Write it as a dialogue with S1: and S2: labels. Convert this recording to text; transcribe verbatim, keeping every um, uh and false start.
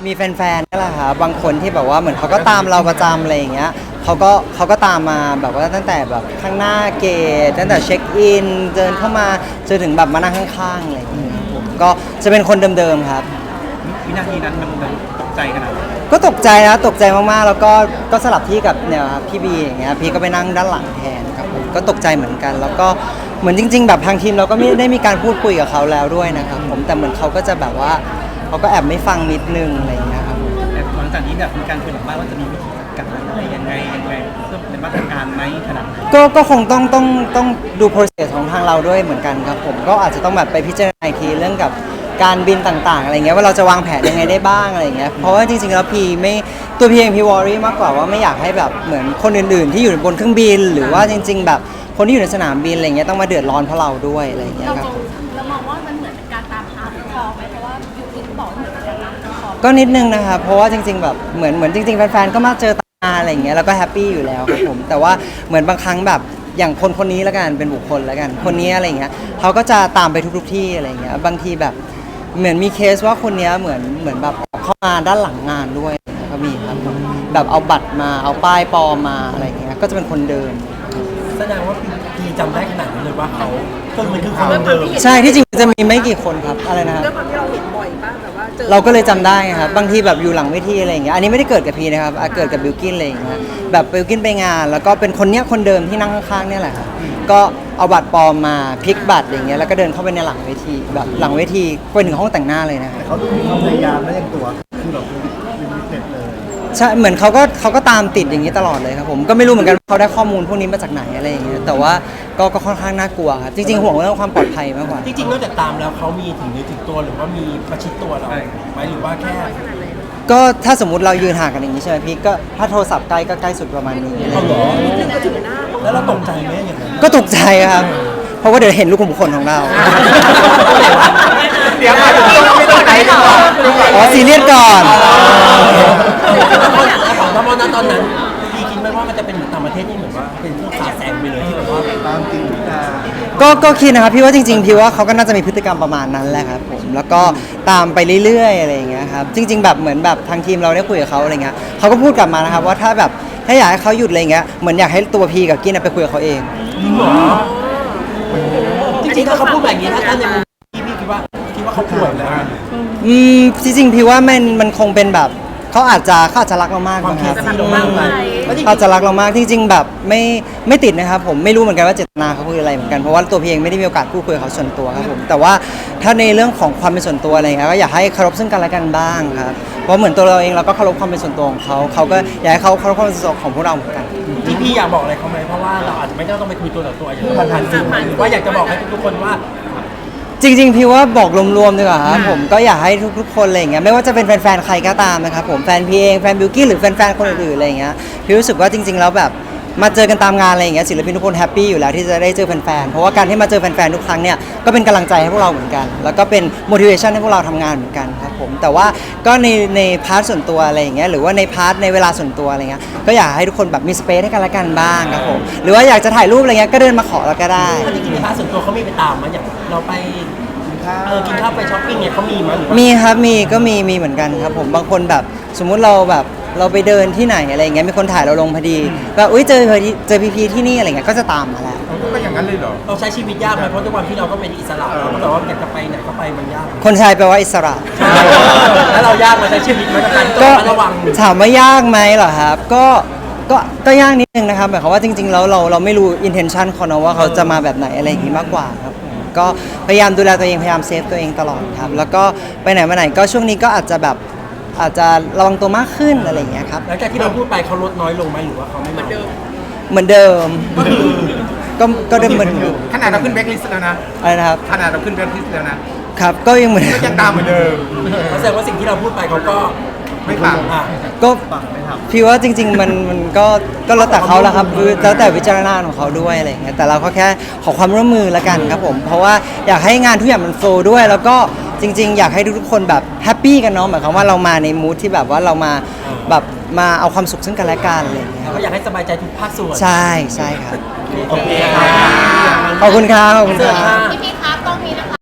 S1: มีแฟนๆนี่แหละค่ะบางคนที่แบบว่าเหมือนเขาก็ตามเราประจำอะไรอย่างเงี้ยเขาก็เขาก็ตามมาแบบว่าตั้งแต่แบบข้างหน้าเกตตั้งแต่เช็คอินเดินเข้ามาจนถึงแบบมานั่งข้างๆอะไรอย่างเงี้ยผมก็จะเป็นคนเดิมๆครับ
S2: วินาทีนั้นมันมันตกใจขนาดไหน
S1: ก็ตกใจนะตกใจมากๆแล้วก็ก็สลับที่กับเนี่ยครับพี่บีอย่างเงี้ยพี่ก็ไปนั่งด้านหลังแทนครับผมก็ตกใจเหมือนกัน แล้วก็เหมือนจริง ๆ แบบทางทีมเราก็ไม่ได้มีการพูดคุยกับเขาแล้วด้วยนะครับผมแต่เหมือนเขาก็จะแบบว่าเขาก็แอบไม่ฟังนิดนึงอะไรอย่างเงี้ยครับ
S2: แต่หลังจากนี้แบบมีการคุยหลังบ้านว่าจะมีวิธีการอะไรยังไงยังไงเพื่อเป็นมาตรการไหมขนาดไหน
S1: ก็ก็คงต้องต้องต้องดู process ของทางเราด้วยเหมือนกันครับผมก็อาจจะต้องแบบไปพิจารณาอีกทีเรื่องกับการบินต่างๆอะไรเงี้ยว่าเราจะวางแผนยังไงได้บ้างอะไรเงี้ยเพราะว่าจริงๆแล้วพีไม่ตัวพีเองพีวอรี่มากกว่าว่าไม่อยากให้แบบเหมือนคนอื่นๆที่อยู่บนเครื่องบินหรือว่าจริงๆแบบคนที่อยู่ในสนามบินอะไรเงี้ยต้องมาเดือดร้อนเพราะเราด้วยอะไรเงี้ยครับ
S3: เรามองว่ามันเหมือนเป็นการตามหาคอไหมเพราะว่าอยู่ที่บอกเหมือนกันตามคอ
S1: ก็นิดนึงนะครับเพราะว่าจริงๆแบบเหมือนเหมือนจริงๆแฟนๆก็มาเจอตาอะไรเงี้ยแล้วก็แฮปปี้อยู่แล้วครับผมแต่ว่าเหมือนบางครั้งแบบอย่างคนคนนี้แล้วกันเป็นบุคคลแล้วกันคนนี้อะไรเงี้ยเขาก็จะตามไปทุกๆที่อะไรเงี้ยบางทีแบบเหมือนมีเคสว่าคนนี้เหมือนเหมือนแบบเข้ามาด้านหลังงานด้วยก็มีครับแบบเอาบัตรมาเอาป้ายปลอมมาอะไรเงี้ยก็จะเป็นคนเดิม
S4: แสดงว่าพี่จำได้ขนาดนั้นเลยว่าเขาคือมันคือคนเดิม
S1: ใช่ที่จริงจะมีไม่กี่คนครับอะไรนะ
S3: เรื่องความที่เราเห็นบ่อยป่ะแบบว่าเจอ
S1: เราก็เลยจำได้ครับบางทีแบบอยู่หลังเวทีอะไรอย่างเงี้ยอันนี้ไม่ได้เกิดกับพีนะครับเกิดกับบิลกินอะไรอย่างเงี้ยแบบบิลกินไปงานแล้วก็เป็นคนเนี้ยคนเดิมที่นั่งข้างๆเนี่ยแหละครับก็เอาบัตรปลอมมาพลิกบัตรอย่างเงี้ยแล้วก็เดินเข้าไปในหลังเวทีแบบหลังเวทีไปถึงห้องแต่งหน้าเลยนะ
S5: เขาดูมีความพยายามและยังตัวคือแบบเป็นพิเศษเลย
S1: ใช่เหมือนเขาก็เขาก็ตามติดอย่างนี้ตลอดเลยครับผมก็ไม่รู้เหมือนกันเขาได้ข้อมูลพวกนี้มาจากไหนอะไรอย่างเงี้ยแต่ว่าก็ก็ค่อนข้างน่ากลัวครับจริงๆห่วงเรื่องความปลอดภัยมากกว่า
S4: จริงๆนอกจากตามแล้วเขามีถึงเนื้อถึงตัวหรือว่ามีประชิดตัวเราไหมหรือว่าแค่
S1: ก็ถ้าสมมุติเรายืนห่างกันอย่างนี้ใช่ไหมพี่ก็ถ้าโทรศัพท์ใกล้ก็ใกล้สุดประมาณนี้
S4: เขาหรอแล้วเราตกใจไหมอย่างนั้น
S1: ก็ตกใจครับเพราะว่าเดี๋ยวเห็นลูกขุมขนของเรา
S5: เดี๋ยวมาถึงไม่ต้องไหนก่อน
S1: อ๋อซีเรียสก่อน
S4: แล้วตอนนั้นตอนนั้นพี่คิดไหมว่ามันจะเป็นเหมือนต่างประเทศที่เหมือนว่าเป็นพวกขาแซงไปเลยที่แบบว่า
S5: ตามจริงนะ
S1: ก็ก็คิดนะครับพี่ว่าจริงๆพี่ว่าเขาก็น่าจะมีพฤติกรรมประมาณนั้นแหละครับผมแล้วก็ตามไปเรื่อยๆอะไรอย่างเงี้ยครับจริงๆแบบเหมือนแบบทางทีมเราได้คุยกับเขาอะไรเงี้ยเขาก็พูดกลับมานะครับว่าถ้าแบบถ้าอยากให้เขาหยุดอะไรเงี้ยเหมือนอยากให้ตัวพีกับกินไปคุยกับเขาเอง
S4: จริงเหรอจริงๆถ้าเขาพูดแบบนี้ถ้าท่านในมุมพี่พี่คิดว่าคิดว่าเขาป่วยแล้ว
S1: อืมจริงๆพี่ว่ามันมันคงเป็นแบบเขาอาจจะเขาอาจจะรักเรามากนะครับเขาจะรักเรามากจริงๆแบบไม่ไม่ติดนะครับผมไม่รู้เหมือนกันว่าเจตนาเขาคืออะไรเหมือนกันเพราะว่าตัวพี่เองไม่ได้มีโอกาสพูดคุยกับเขาส่วนตัวครับผมแต่ว่าถ้าในเรื่องของความเป็นส่วนตัวอะไรเงี้ยก็อยากให้เคารพซึ่งกันและกันบ้างครับเพราะเหมือนตัวเราเองเราก็เคารพความเป็นส่วนตัวของเขาเขาก็อยากให้เขาเคารพความเป็นส่วนตัวของพวกเราเหมือนกัน
S4: ที่พี่อยากบอกอะไรเขาไหมเพราะว่าเราอาจจะไม่ต้องไปคุยตัวต่อตัวอย่างผ่านๆสื่อหรือว่าอยากจะบอกให้ทุกคนว่า
S1: จริงๆพี่ว่าบอกรวมๆดีกว่าครับผมก็อยากให้ทุกๆคนอะไรอย่างเงี้ยไม่ว่าจะเป็นแฟนๆใครก็ตามนะครับผมแฟนพี่เองแฟนบิวกี้หรือแฟนๆคนอื่นๆอะไรอย่างเงี้ยพี่รู้สึกว่าจริงๆแล้วแบบมาเจอกันตามงานอะไรอย่างเงี้ยศิลปินทุกคนแฮปปี้อยู่แล้วที่จะได้เจอแฟนๆเพราะว่าการที่มาเจอแฟนๆทุกครั้งเนี่ยก็เป็นกำลังใจให้พวกเราเหมือนกันแล้วก็เป็น motivation ให้พวกเราทำงานเหมือนกันครับผมแต่ว่าก็ในในพาร์ทส่วนตัวอะไรอย่างเงี้ยหรือว่าในพาร์ทในเวลาส่วนตัวอะไรเงี้ยก็อยากให้ทุกคนแบบมีสเปซให้กันและกันบ้างครับผมหรือว่าอยากจะถ่ายรูปอะไรเงี้ยก็เดินมาขอเราก็ได้
S4: จริงๆในพาร์ทส่วนตัวเขามีไปตามมาอย่างเราไปเออกินข้าวไปช้อปปิ้งเนี่ยเขามีมั้ย
S1: มีครับมีก็มีมีเหมือนกันครับผมบางคนแบบสมมุติเราแบบเราไปเดินที่ไหนอะไรเงี้ยมีคนถ่ายเราลงพอดีแบบอุ้ยเจอเจอพีพีที่นี่อะไรเงี้ยก็จะตามมาแล้ว
S5: ก็อย่างนั้นเลยเหรอ
S4: เราใช้ชีวิตยากไหมเพราะด้วยความที่เราก็เป็นอิสระเราก็แบบว่าอยากจะไปไหนก็ไปมันยาก
S1: คนชายแปลว่าอิสระ
S4: แล้วเรายากมาใช้ชีวิตมาการต้องระวัง
S1: ถามว่ายากไหมเหรอครับก็ก็ก็ยากนิดนึงนะครับหมายความว่าจริงๆแล้วเราเราไม่รู้ intention เขานะว่าเขาจะมาแบบไหนอะไรอย่างงี้มากกว่าครับก็พยายามดูแลตัวเองพยายามเซฟตัวเองตลอดครับแล้วก็ไปไหนมาไหนก็ช่วงนี้ก็อาจจะแบบอาจจะระวังตัวมากขึ้นอะไรอย่างเงี้ยครับ
S4: หลังจากที่เราพูดไปเขาลดน้อยลงไหมหรือว่าเขาไม่เหมือนเดิม
S1: เหมือนเดิมก็ก็เดิมเหมือน
S5: ขนาดเราขึ้นแบ็คลิสต์แล้วนะ
S1: อะไรนะครับ
S5: ขนาดเราขึ้นแบ็คลิสต์แล้วนะครับ
S1: ก็ยังเหมือน
S5: ยังตามเหมือนเดิม
S4: แสดงว่าสิ่งที่เราพูดไปเขาก็
S5: ไม่ฟัง
S1: ก็พี่ว่าจริงๆมันมันก็ก็แล้วแต่เขาแหละครับแล้วแต่วิจารณญาณของเขาด้วยอะไรอย่างเงี้ยแต่เราก็แค่ขอความร่วมมือละกันครับผมเพราะว่าอยากให้งานทุกอย่างมันโฟลว์ด้วยแล้วก็จริงๆอยากให้ทุกคนแบบแฮปปี้กันเนาะหมายความว่าเรามาในมูทที่แบบว่าเรามาแบบมาเอาความสุขซึ่งกันและกันอะไรอย่างเงี้ย
S4: ก็อยากให้สบายใจทุกภาคส่วน
S1: ใช่ใช่ครับ
S4: โอเค
S1: ขอบคุณครับขอบคุณครับ